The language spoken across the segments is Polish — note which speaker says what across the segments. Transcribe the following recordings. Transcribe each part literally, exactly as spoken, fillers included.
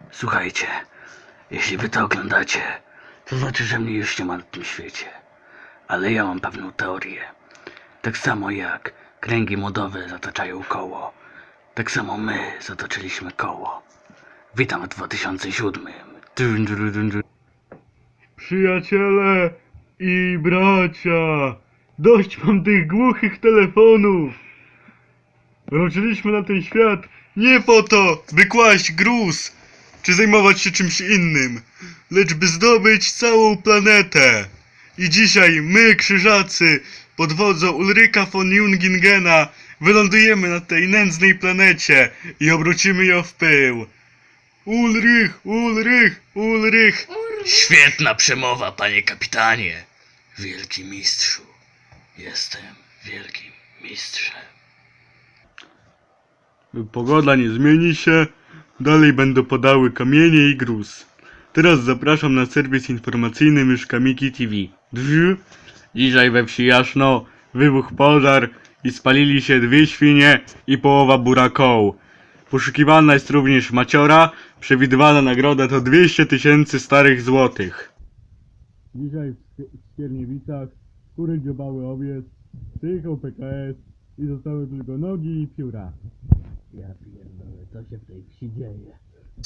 Speaker 1: Słuchajcie, jeśli wy to oglądacie, to znaczy, że mnie już nie ma na tym świecie. Ale ja mam pewną teorię. Tak samo jak kręgi modowe zataczają koło, tak samo my zatoczyliśmy koło. Witam w dwa tysiące siódmym. Dun, dun, dun, dun.
Speaker 2: Przyjaciele i bracia, dość mam tych głuchych telefonów. Wróciliśmy na ten świat nie po to, by kłaść gruz, czy zajmować się czymś innym, lecz by zdobyć całą planetę. I dzisiaj my, krzyżacy, pod wodzą Ulryka von Jungingena, wylądujemy na tej nędznej planecie i obrócimy ją w pył. Ulrych, Ulrych, Ulrych.
Speaker 1: Świetna przemowa, panie kapitanie. Wielki mistrzu. Jestem wielkim mistrzem.
Speaker 2: Pogoda nie zmieni się, dalej będą padały kamienie i gruz. Teraz zapraszam na serwis informacyjny Myszkamiki T V. Drz. Dzisiaj we wsi Jaszno wybuchł pożar i spalili się dwie świnie i połowa burakoł. Poszukiwana jest również maciora, przewidywana nagroda to dwieście tysięcy starych złotych. Dzisiaj w Skierniewicach kury dziobały owiec, przyjechał P K S i zostały tylko nogi i pióra.
Speaker 1: Ja pierdolę, co się w tej wsi dzieje?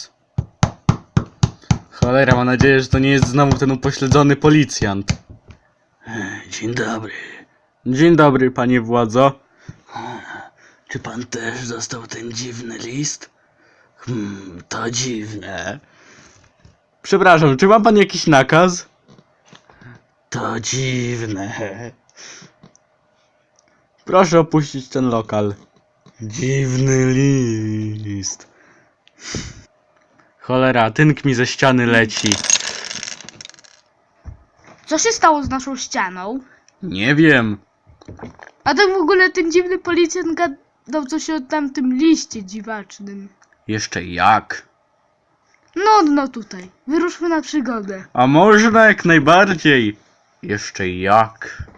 Speaker 2: Cholera, mam nadzieję, że to nie jest znowu ten upośledzony policjant.
Speaker 1: Dzień dobry.
Speaker 2: Dzień dobry, panie władzo.
Speaker 1: Czy pan też dostał ten dziwny list? Hmm, to dziwne.
Speaker 2: Przepraszam, czy ma pan jakiś nakaz?
Speaker 1: To dziwne.
Speaker 2: Proszę opuścić ten lokal.
Speaker 1: Dziwny list.
Speaker 2: Cholera, tynk mi ze ściany leci.
Speaker 3: Co się stało z naszą ścianą?
Speaker 2: Nie wiem.
Speaker 3: A tak w ogóle ten dziwny policjant gadał coś o tamtym liście dziwacznym.
Speaker 2: Jeszcze jak?
Speaker 3: No, no tutaj. Wyruszmy na przygodę.
Speaker 2: A można jak najbardziej. Jeszcze jak?